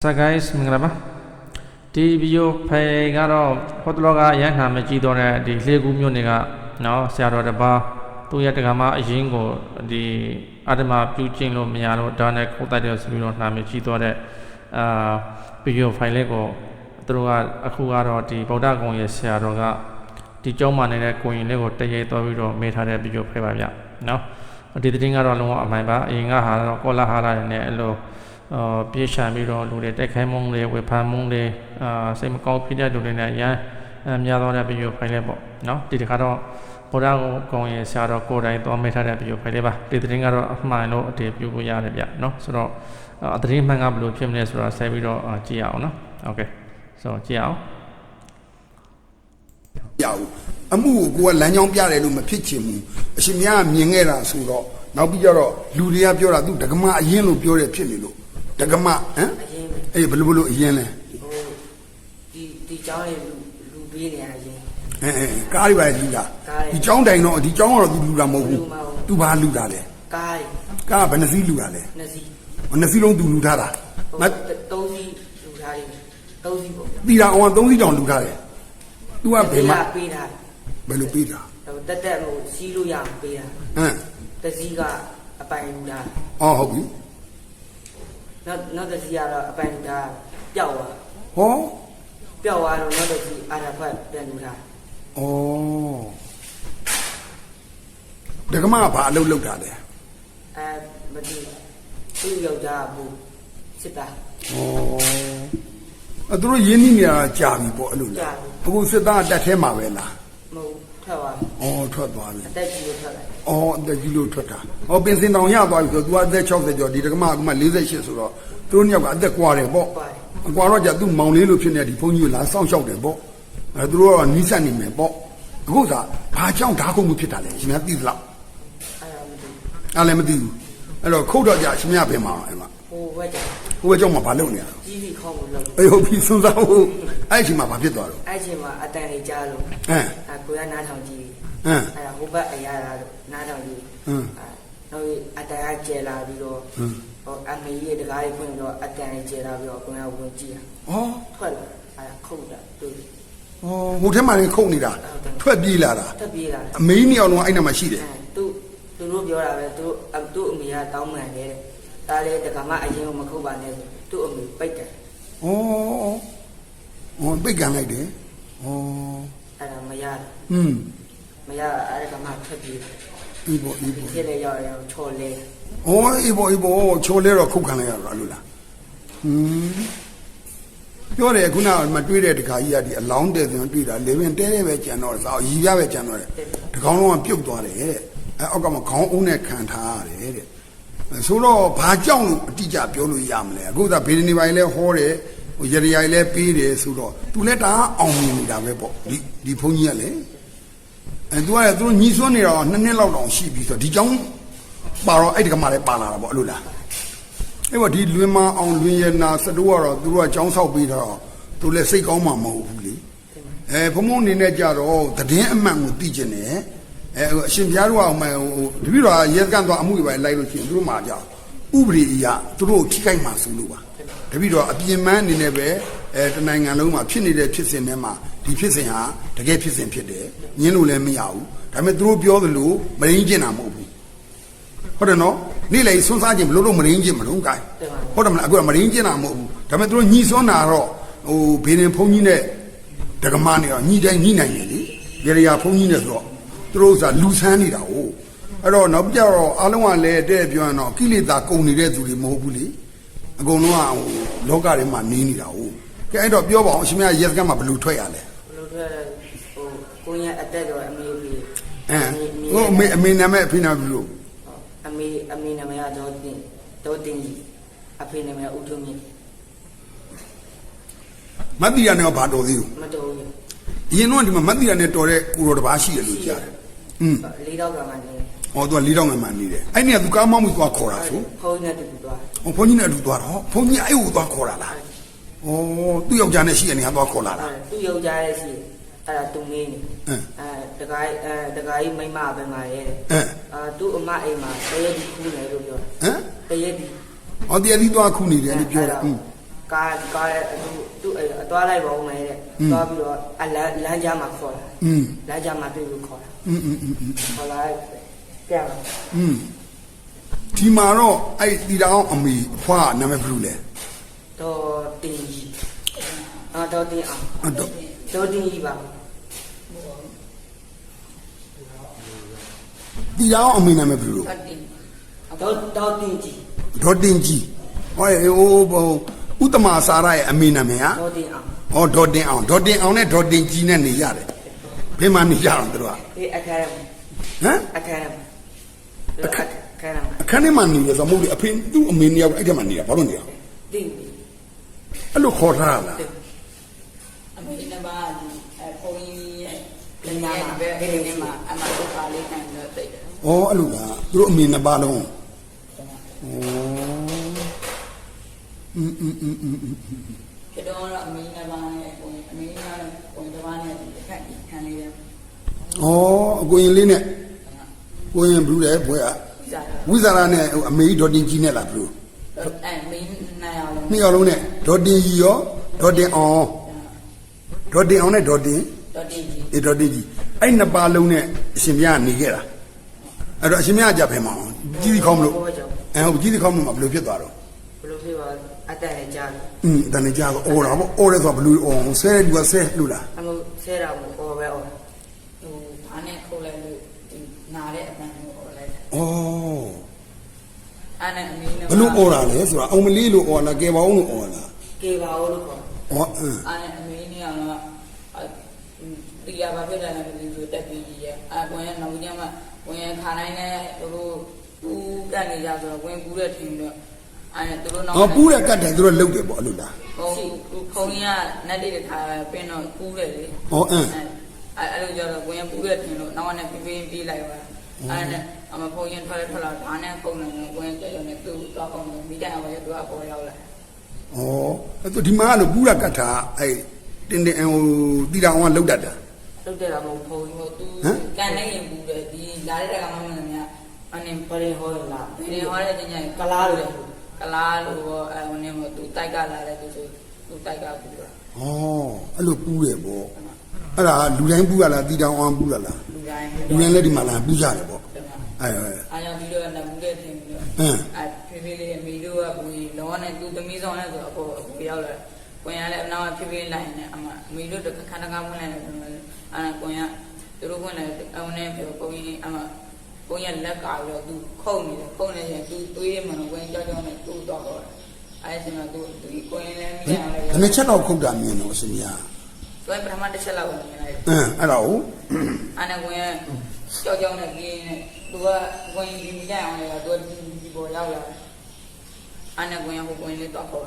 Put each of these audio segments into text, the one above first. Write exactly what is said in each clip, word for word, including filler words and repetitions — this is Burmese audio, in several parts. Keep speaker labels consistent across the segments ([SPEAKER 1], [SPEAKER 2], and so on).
[SPEAKER 1] So guys မင်္ဂလာပါဒီဗီဒီယိုဖိုင်ကတော့ဟိုတလောကရန်နာမကြည့်တော့တဲ့ဒီလေကူးမြို့နယ်ကနော်ဆရာတော်တစ်ပါးသူ့ရဲ့တက္ကမအရင်ကိုဒီအတ္တမပြုကျင့်လို့မရလို့ဒါနဲ့ခုတ်တိုက်တယ်ဆိုပြီးတော့နာမကြည့်တော့တဲ့အာဗီဒီယိုဖိုင်လေးကိုသူတို့ကအခုကတော့ဒီဗုဒ္ဓဂုံရဲ့ဆရာတော်ကဒီကျောင်းမှာနေတဲ့ကိုရင်လေးကိုတရေတော်ပြီးတော့မေးထားတဲ့ဗီဒီယိုဖိုင်ပါဗျနော်ဒီသတင်းကတော့လုံးဝအမှန်ပါအရင်ကဟာတော့ကောလာဟာလာနဲ့အဲ့လိုအာပြေးချပြီးတော့လူတွေတက်ခိုင်းမုန်းတွေဝေဖန်မုန်းတွေအာစိတ်မကောင်းဖြစ်တဲ့လူတွေနဲ့ရန်များသောတဲ့ဗီဒီယိုဖိုင်လေးပေါ့နော်ဒီတစ်ခါတော့ဗုဒ္ဓဂုံရဲ့ဆရာတော်ကိုယ်တိုင်သွားမိထားတဲ့ဗီဒီယိုဖိုင်လေးပါဒီသတင်းကတော့အမှန်လို့အတည်ပြုလို့ရတယ်ဗျနော်ဆိုတော့အသတင်းမှန်ကဘယ်လိုဖြစ်မလဲဆိုတာဆက်ပြီးတော့ကြည့်ရအောင်နော်โอเคဆိုကြည့်အောင်
[SPEAKER 2] ရအောင်အမှုကိုကိုကလမ်းကြောင်းပြတယ်လို့မဖြစ်ချင်ဘူးအရှင်မြတ်ကမြင်ခဲ့တာဆိုတော့နောက်ပြီးကြတော့လူတွေကပြောတာသူဒကမအရင်လို့ပြောတယ်ဖြစ်နေလို့ဒကမဟမ်အေးဘယ်လိုဘယ်လိုအရင်လဲ
[SPEAKER 3] ဒီဒီเจ้าလေးလူလူပေးနေရရင်
[SPEAKER 2] အဲအဲကားတွေပါလူတာဒီเจ้าတိုင်တော့ဒီเจ้าကတော့သူလူတာမဟုတ်ဘူးသူဘာလူတာလဲ
[SPEAKER 3] ကား
[SPEAKER 2] ကားဘယ်နှစီးလူတာလဲ
[SPEAKER 3] နှစ်စီး
[SPEAKER 2] နှစ်စီးလုံးသူလူထားတာ
[SPEAKER 3] မသုံးစီးလူထားတယ်သုံးစီးပေါ့
[SPEAKER 2] တီတာအောင်သုံးစီးတောင်လူထားတယ်သူကဘယ်မှာ
[SPEAKER 3] ပေးထား
[SPEAKER 2] ဘယ်လိုပေးတာ
[SPEAKER 3] တက်တက်ဟိုစီးလို့ရအောင်ပေးတာ
[SPEAKER 2] ဟမ်
[SPEAKER 3] တစီးကအပိုင်လူထား
[SPEAKER 2] အော်ဟုတ်ပြီ
[SPEAKER 3] နောက်နောက်တစီးကတော့အပိုင်လူထားပျောက်သွား
[SPEAKER 2] ဟော
[SPEAKER 3] ပျောက်သွားတော့နောက်တစီးအာရဖတ်ပြန်လူထား
[SPEAKER 2] ဩဒကမကဘာအလုပ်လုပ်တာလဲ
[SPEAKER 3] အဲမသိသူ့ယောက်ျားဘူးစစ်သား
[SPEAKER 2] ဩအဲသူတို့ရင်းနှီးနေတာကြာပြီပေါ့အဲ့လိုလားအခုစစ်သားတက်ထဲမှာပဲလား
[SPEAKER 3] မဟုတ်ထွက်သွား
[SPEAKER 2] ဩထွက်သွားပြီ
[SPEAKER 3] အသက်ကြီးလို့ထွက်လာ
[SPEAKER 2] ဩအသက်ကြီးလို့ထွက်တာဟောပင်စင်တောင်ရသွားပြီဆိုတော့ तू အသက်၆၀ကျော်ဒီဒကမကမှ၄၈ဆိုတော့သူတို့နှစ်ယောက်ကအသက်ကွာတယ်ပေါ့အကွာတော့じゃသူ့မောင်လေးလို့ဖြစ်နေဒီဘုန်းကြီးကလာစောင့်ရှောက်တယ်ပေါ့အဲသူတို့ကတော့နီးစပ်နေမယ်ပေါ့အခုသာဘာကြောင့်ဓာတ်ခုံမှုဖြစ်တာလဲရှင်များသိသလားအဲ့လည်းမသိဘူးအဲ့တော့ခုတ်တော့じゃရှင်များပြင်မှာအဲ့မှာ
[SPEAKER 3] ဟိုဘက်ကြောင့်
[SPEAKER 2] ဟိုဘက်ကြောင့်မဘာလုပ်နေရလဲ
[SPEAKER 3] ကြီးကြီးခေါင်းကိုလုပ်
[SPEAKER 2] အေးဟုတ်ပြီစွန်းစားဟုတ်အဲ့ဒီမှာဘာဖြစ်သွားတော့
[SPEAKER 3] အဲ့ဒီမှာအတန်လေးကြားလို့
[SPEAKER 2] ဟမ်
[SPEAKER 3] အဲကိုရနားထောင်ကြည့်
[SPEAKER 2] ဟမ်
[SPEAKER 3] အဲ့ဒါဟိုဘက်အရာလာလို့နားထောင်ကြည့်
[SPEAKER 2] ဟမ်
[SPEAKER 3] နောက်အတန်ကကျဲလာပြီးတော့ဟိုအမေကြီးတကားလေးဖွင့်တော့အတန်လေးကျဲလာပြီးတော့ကိုရဝင်ကြည့်
[SPEAKER 2] တာဩ
[SPEAKER 3] ထွက်လာအဲ့ခုတ်တာတွေ့
[SPEAKER 2] ဩဟိုထဲမှာနေခုတ်နေတာထွက်ပြေးလာတာ
[SPEAKER 3] ထွက်ပြေးလာ
[SPEAKER 2] အမေကြီးနှစ်ယောက်လုံးအဲ့နာမှာရှိတယ်
[SPEAKER 3] သူသူတို့ပြောတာပဲသူသူ့အမေကတောင်းပန်တယ်ဒါလေတကမအရင်ကမခုတ်ပါနဲ့သူ့အမေပိတ်တယ်
[SPEAKER 2] ဩဩပိတ်ကန်လိုက်တယ်ဩ
[SPEAKER 3] အဲ့ဒါမရတယ်
[SPEAKER 2] อืม
[SPEAKER 3] မရအဲ့ဒါကမှထွက်ပြေး
[SPEAKER 2] အေးပေါ့အေးပေါ့
[SPEAKER 3] ဖြစ်လေရောက်ရောချော်လေ
[SPEAKER 2] ဩအေးပေါ့အေးပေါ့ချော်လဲတော့ခုတ်ခံလိုက်ရတော့အဲ့လိုလားဟွန်းပြောတယ်ခုနကမတွေးတဲ့တခါကြီးကဒီအလောင်းတဲ့ဆိုတွေ့တာလေဝင်တဲတဲပဲကြံတော့စာရီပြပဲကြံတော့တယ်တကောင်လုံးကပြုတ်သွားတယ်တဲ့အဲအောက်ကမှခေါင်းအုံးနဲ့ခံထားရတယ်တဲ့ဆိုတော့ဘာကြောင့်လို့အတိအကျပြောလို့ရမလဲအခုသာဘေဒနေပိုင်းလဲဟောတယ်ဟိုရရရိုင်လဲပေးတယ်ဆိုတော့သူလဲဒါအောင်မြင်နေတာပဲပေါ့ဒီဒီဘုန်းကြီးကလည်းအဲသူကလည်းသူတို့ညီစွန်းနေတော့နှစ်နှစ်လောက်တောင်ရှိပြီဆိုတော့ဒီကြောင့်ပါတော့အဲ့ဒီကမှလည်းပါလာတာပေါ့အဲ့လိုလားအဲ့တော့ဒီလွင်မအောင်လွင်ရနာစတိုးကတော့သူတို့ကကြောင်းဆောက်ပြီးတော့သူလည်းစိတ်ကောင်းမှမဟုတ်ဘူးလေအဲဘုံဘုံအနေနဲ့ကြတော့သတင်းအမှန်ကိုသိကျင်တယ်အဲအရှင်ဘုရားတို့ကဟိုတပည့်တော်ရဲကန်သွားအမှုတွေပဲလိုက်လို့ရှိရင်သူတို့မှာကြောက်ဥပဒေအရသူတို့ထိခိုက်မှဆိုလို့ပါတပည့်တော်အပြင်မန်းအနေနဲ့ပဲအဲတနိုင်ငံလုံးမှာဖြစ်နေတဲ့ဖြစ်စဉ်တွေမှာဒီဖြစ်စဉ်ဟာတကယ်ဖြစ်စဉ်ဖြစ်တယ်ညင်းလို့လည်းမရဘူးဒါပေမဲ့သူတို့ပြောသလိုမရင်းကျင်တာမဟုတ်ဘူးဟုတ်တယ်နော်နေ့လေစွန်းစားခြင်းဘလို့လို့မရင်းခြင်းမလုံးကိုင်းဟုတ်တယ်မလားအခုကမရင်းခြင်းတာမဟုတ်ဘူးဒါပေမဲ့သူတို့ညီစွန်းတာတော့ဟိုဘေးရင်ဘုန်းကြီးနဲ့ဒကမနဲ့တော့ညီတိုင်းညီနိုင်တယ်လေရေရဘုန်းကြီးနဲ့ဆိုတော့သူတို့ကလူဆန်းနေတာဟုတ်အဲ့တော့နောက်ပြတော့အားလုံးကလည်းတဲ့ပြောရင်တော့ကိလေသာကုန်နေတဲ့သူတွေမဟုတ်ဘူးလေအကုန်လုံးကဟိုလောကထဲမှာနေနေတာဟုတ်ကဲအဲ့တော့ပြောပါအောင်အရှင်မရဲစကမ်းမှာဘယ်လိုထွက်ရလဲ
[SPEAKER 3] ဘယ်လိုထွက်ရလဲဟိုကိုရအတက်တော့အမေကြီး
[SPEAKER 2] အဲဟိုအမေအမေနာမည်အဖေနာမည်လို့
[SPEAKER 3] အမေအမေနာမည်ကတော့တင်တော့တင်ကြီးအဖေနာမည်ဦးထုံးမြင့်
[SPEAKER 2] မတ်တီရနဲ့ဘာတော်သေးဘူး
[SPEAKER 3] မတော်ဘူး
[SPEAKER 2] အရင်တော့ဒီမှာမတ်တီရနဲ့တော်တဲ့ကိုတော်တစ်ပါးရှိတယ်လို့ကြားတယ်อืม
[SPEAKER 3] လေးတော့ကမှနေ
[SPEAKER 2] ဟောသူကလေးတော့မှနေတယ်အဲ့နေကသူကားမောင်းပြီးသွားခေါ်တာဆို
[SPEAKER 3] ဘုန်းကြီးနဲ့တူသွား
[SPEAKER 2] ဟောဘုန်းကြီးနဲ့အတူသွားတော့ဘုန်းကြီးအဲ့ဟိုသွားခေါ်တာလားဩသူ့ယောက်ျားနဲ့ရှိတဲ့နေရာသွားခေါ်လာတာ
[SPEAKER 3] သူ့ယောက်ျားရဲ့ရှိအဲ့ဒါသူငင်းနေအဲတခါအဲတခါကြီးမိမပဲမှာရဲတဲ့အာသူ့အမအိမ်မှာတရက်ဒီခူးနေလို့ပြော
[SPEAKER 2] ဟမ်
[SPEAKER 3] တရက်ဒီ
[SPEAKER 2] ဟောတရက်ဒီသွားခူးနေတယ်လို့ပြောတာ
[SPEAKER 3] ကားကားသူသူ့အသွားလိုက်ပါဦးမယ်တဲ့သွားပြီးတော့အလန်းလမ်းကြားမှာခေါ်တာอืมလမ်းကြားမှာတွေ့လို့ခေါ်တာอืมอืมอืมခေါ်လာပြန်
[SPEAKER 2] อืมဒီမှာတော့အဲ့တီတောင်အမေအဖွားနာမည်ဘယ်လိုလဲ
[SPEAKER 3] တော့တင်ကြီးအာတော့တင်အောင်တော့တော့တင်ကြီးပါ
[SPEAKER 2] တီတောင်အမေနာမည်ဘယ်လို
[SPEAKER 3] တော့တော့တင်ကြီး
[SPEAKER 2] ဒေါ်တင်ကြီးဟောဟိုဥတ္တမစာရရဲ့အမေနာမည်ဟာ
[SPEAKER 3] ဒေါ်တင်အောင်
[SPEAKER 2] ဟောဒေါ်တင်အောင်ဒေါ်တင်အောင်နဲ့ဒေါ်တင်ကြီးနဲ့နေရတယ်ဘယ်မှာနေကြအောင်တို့က
[SPEAKER 3] ဒီအခါဟ
[SPEAKER 2] မ်
[SPEAKER 3] အခါအခါ
[SPEAKER 2] အခန်းထဲမှာနေရဆိုမဟုတ်လေအဖေသူ့အမေနှစ်ယောက်အဲ့ထဲမှာနေတာဘာလို့နေရ
[SPEAKER 3] သိ
[SPEAKER 2] အဲ့လိုခေါ်ထားလား
[SPEAKER 4] အမေနဲ့ပါအဲပုံကြီးရဲ့လက်ညာမှာပဲအဲ့ဒီမှာအမတို့ပါလေးနိုင်တော့တိတ်တယ်
[SPEAKER 2] ။အော်အဲ့လိုလားသူတို့အမေနှစ်ပါးလုံး။ဩอืมอืมอืมอืม
[SPEAKER 4] ကျတော့အမေနဲ့ပါနဲ့ပုံအမေနဲ့ပုံတစ်ပါးနဲ့တစ်ခါခံလေးတယ်
[SPEAKER 2] ။ဩအကိုရင်လေးနဲ့ကိုရင်ဘူးလေဘွဲอ่ะဝိဇာရနဲ့အမေဒေါ်တင်ကြီးနဲ့လားဘလို့
[SPEAKER 4] အဲမင်းနှစ်ယောက်လုံး
[SPEAKER 2] နှစ်ယောက်လုံးနဲ့ဒေါ်တင်ကြီးရောဒေါ်တင်အောင်ဒေါ်တင်အောင်နဲ့ဒေါ်တင်
[SPEAKER 4] ဒေါ်တင်ကြီး
[SPEAKER 2] အေးဒေါ်တင်ကြီးအဲ့နှစ်ပါးလုံးနဲ့အရှင်မြတ်နေခဲ့တာအဲ့တော့အရှင်မြတ်ကြဖယ်မအောင်ကြီးစီခေါင်းမလို့အဲဟုတ်ကြီးစီခေါင်းမလို့ဘယ်လိုဖြစ်သွားတော့
[SPEAKER 3] ဘယ်လိုဖြစ်သွားအတန်နဲ့ကြားတယ်
[SPEAKER 2] อืมအတန်နဲ့ကြားတော့အော်တာပေါ့အော်ရဲဆိုဘယ်လိုအော်ဆဲတဲ့လူကဆဲလို့လား
[SPEAKER 3] အမို့ဆဲတာမို့အော်ပဲအော်
[SPEAKER 4] ဟိုဘာနဲ့ခုတ်လိုက်လို့နာတဲ့အပန်းကိုအော်လိုက်
[SPEAKER 2] ဩ
[SPEAKER 4] အဲ့နဲ့အမီးနဲ့
[SPEAKER 2] ဘလို့အော်တာလဲဆိုတာအောင်မလေးလို့အော်လားကဲပါအောင်လို့အော်လား
[SPEAKER 3] ကဲပါအောင်လို့ခေါ်
[SPEAKER 2] ဩ
[SPEAKER 4] အဲ့နဲ့အမီးနဲ့ကတော့ဒီရပါဖြစ်တယ်လည်းဒီလိုတက်ပြီးကြီးရဲ့အကွန်ရဲ့နောက်ကြီးမှဝင်ရခါတိုင်းနဲ့တို့ကူးကတ်နေကြဆိုတော့ဝင်ကူးတဲ့ထင်တော့အဲ့တို့နောက်
[SPEAKER 2] ဟောပူးတဲ့ကတ်တယ်သူတို့လုတ်တယ်ပေါ့အဲ့လိုလား
[SPEAKER 4] ဟုတ်ခုံကြီးကနက်လေးတစ်ခါပင်းတော့ကူးတယ်လေ
[SPEAKER 2] ဟောအင်း
[SPEAKER 4] အဲ့အဲ့လိုကြတော့ဝင်ပူးတဲ့ထင်လို့နောက်ကနေပြင်းပြင်းပြေးလိုက်ပါအဲ့နဲ့အမဖုန်းရင်ထွက်ထွက်လာဒါနဲ့ပုံနေဝင်ကြရုံနဲ့သူ့တော့ပုံနေမိတိုင်အောင်ရသူကပေါ်ရောက်လာ
[SPEAKER 2] ဩအဲ့သူဒီမှာလို့ပူးရကတ်တာအဲ့တင်းတင်းဟိုတီတောင်ကလုတ်တတ်တာ
[SPEAKER 3] လုတ်တယ်လားမဟုတ်ဖုန်း
[SPEAKER 4] ဟိုသူကန်နေရင်ပူးတယ်ဒီလာတဲ့ကမှမင်းများအနေ
[SPEAKER 3] ပရင်ဟောလာ
[SPEAKER 4] ပရင်ဟောတဲ့ညညကလားလို့ကလားလို့အဲဟိုနေမသူတိုက်ကလာတဲ့သူဆိုသူတိုက်ကပူးတာ
[SPEAKER 2] ဩအဲ့လိုပူးတယ်ပေါ့အဲ့ဒါလူတိုင်းပူးရလားတီတောင်အောင်ပူးရလား
[SPEAKER 4] လူတိုင်း
[SPEAKER 2] လူတိုင်းလည်းဒီမှာလာပူးကြတယ်ပေါ့
[SPEAKER 4] အဲ့အားကြောင့်ဒီလိုနဲ့မူတဲ့တင်ပြီးတော့အဲဖေဖေလေးအမေတို့ကဘူလောကနဲ့သူသမီးဆောင်နဲ့ဆိုအကိုအကိုရောက်လာကွန်ရလည်းအနောက်ဖေဖေလိုက်နေအမအမေတို့တခါတခါဝင်လာတယ်အဲကွန်ရသူတို့ဝင်လာအုံနဲ့ပြောပုံကြီးအမပုံရလက်ကာပြီးတော့သူခုန်နေတယ်ခုန်နေရင်သူသွေးရမှဝင်ကြောက်ကြောက်နဲ့သူ့တော့တော့အဲဆင်ကသူဒီကွန်ရလည်းမိရတယ်
[SPEAKER 2] ဘယ်နှချက်တော့ခုတ်တာမြင်တော့အရှင်ကြီး
[SPEAKER 4] သူပထမတစ်ချက်လောက်မြင်လိုက်
[SPEAKER 2] အင်းအဲ့တော့
[SPEAKER 4] အဲ့နဲ့ဝင်ကြောက်ကြောက်နဲ့ကြီးနေသူကဝင်ဒီမိကြအောင်လေသူကဒီပေါ်ရောက်လာအဲ့နဲ့ဝင်ဟိုဝင်လေးတော့ခေါ်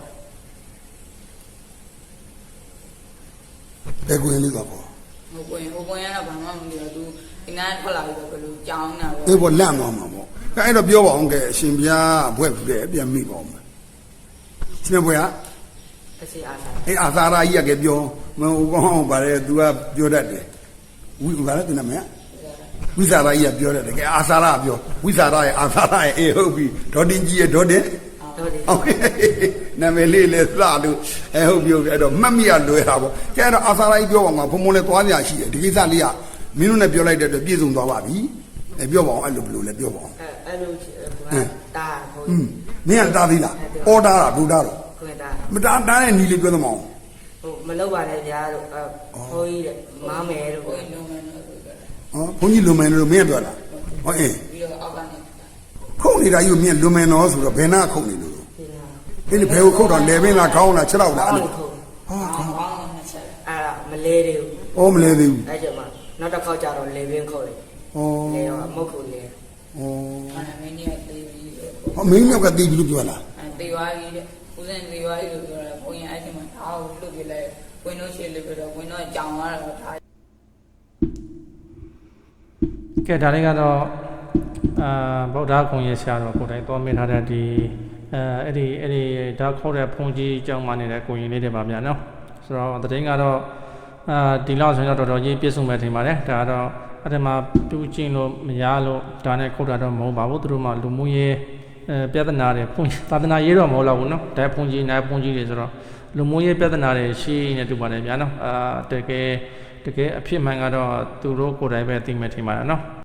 [SPEAKER 2] ဘယ်ကွင်းလေးတော့ပေါ့
[SPEAKER 4] ဟိုကွင်းဟိုကွင်းကတော့ဘာမှမလုပ်ဘူးသူဒီနားထွက်လာပြီးတော့ဘယ်လိုကြောင်းနေတာပေါ့
[SPEAKER 2] အေးပေါ့လန့်သွားမှာပေါ့အဲ့တော့ပြောပါအောင်ကဲအရှင်ဘုရားဘွဲ့ဘူးတဲ့ပြန်မိပါအောင်ရှင်ဘုရား
[SPEAKER 3] အစီအာသာ
[SPEAKER 2] အေးအာသာရာကြီးကပြောမဟုတ်ကောင်းပါလေ तू ကပြောတတ်တယ်ဝိဘာလဲသူနာမည်ဝိဇာရာကြီးကပြောတတ်တယ်ကဲအာသာရာပြောဝိဇာရာရဲ့အာသာရာရဲ့အေးဟုတ်ပြီဒေါ်တင်ကြီးရဲ့ဒေါ်တင်ဟုတ်နာမည်လေးလေးစလို့အဲဟုတ်ပြောပြီအဲ့တော့မှတ်မိရလွယ်တာပေါ့ကျန်တော့အာသာရာကြီးပြောပါမှာဘုံဘုံလေးသွားပြရှိတယ်ဒီကိစ္စလေးကမင်းတို့နဲ့ပြောလိုက်တဲ့အတွက်ပြည့်စုံသွားပါပြီအဲပြောပါအောင်အဲ့လိုဘယ်လိုလဲပြောပါအောင်
[SPEAKER 3] အဲအဲ့လိုတာဟို
[SPEAKER 2] อืมမင်းကတားသေးလားအော်တာတာဘုရားတော့
[SPEAKER 3] ခွင်တာ
[SPEAKER 2] မတားတားတဲ့နီးလေးပြောသမောင်း
[SPEAKER 3] ဟိုမလောက်ပါနဲ့ဗျာတို့ဟိုကြီးတဲ့မားမယ်တို့ဟော
[SPEAKER 2] ဘုန်းကြီးလွန်မယ်လို့မင်းပြောတာဟောအေး
[SPEAKER 4] ပြီးတော့အောက်ကနေ
[SPEAKER 2] ခုတ်နေတာကြီးကိုမင်းလွန်မယ်နော်ဆိုတော့ဘယ်နာခုတ်နေလို့အဲ့ဒီဘယ်ကိုခုတ်တော့လေပင်လားခေါင်းလားခြေထောက်လားအဲ့လို
[SPEAKER 4] ဟာခေါင်းနဲ့ချက်
[SPEAKER 3] အဲ့ဒါမလဲသေးဘူး
[SPEAKER 2] အော်မလဲသေးဘူး
[SPEAKER 3] အဲ့ကျမှနောက်တစ်ခေါက်ကျတော့လေပင်ခုတ်တယ်
[SPEAKER 2] ဩ
[SPEAKER 3] လေရောမဟုတ်ဘူးလေ
[SPEAKER 2] ဩ
[SPEAKER 4] အဲ့မင်းကြီးကတေးပြီး
[SPEAKER 2] ဟောမင်းကတေးပြီးလို့ပြောလား
[SPEAKER 4] အဲ့တေးသွားပြီတဲ့ဦးစင်တေးသွားပြီလို့ပြောတာဘုံရင်အဲ့ဒီမှာအားကိုလွတ်ပြလိုက်ဝင်းတို့ရှိလို့ပြောတော့ဝင်းတို့ကြောင်သွားတော့ထား
[SPEAKER 1] ကဲဒါလေးကတော့အာဗုဒ္ဓဂုံရဲ့ဆရာတော်ကိုယ်တိုင်သွားမိထားတဲ့ဒီအဲအဲ့ဒီအဲ့ဒီဒါခေါ်တဲ့ဘုံကြီးအကြောင်းမှနေတဲ့ကိုရင်လေးတွေပါဗျာနော်ဆိုတော့တရင်ကတော့အာဒီလောက်ဆိုရင်တော့တော်တော်ကြီးပြည့်စုံမဲ့ထင်ပါတယ်ဒါကတော့အဲ့ဒီမှာတူးကျင်လို့မရလို့ဒါနဲ့ခုတ်တာတော့မဟုတ်ပါဘူးသူတို့မှလူမှုရေးအဲပြဿနာတွေဘုံသာသနာရေးတော့မဟုတ်တော့ဘူးနော်ဒါဘုံကြီးနိုင်ဘုံကြီးတွေဆိုတော့လူမှုရေးပြဿနာတွေရှိနေတူပါတယ်ဗျာနော်အာတကယ်တကယ်အဖြစ်မှန်ကတော့သူတို့ကိုယ်တိုင်ပဲသိမှထင်ပါတယ်နော်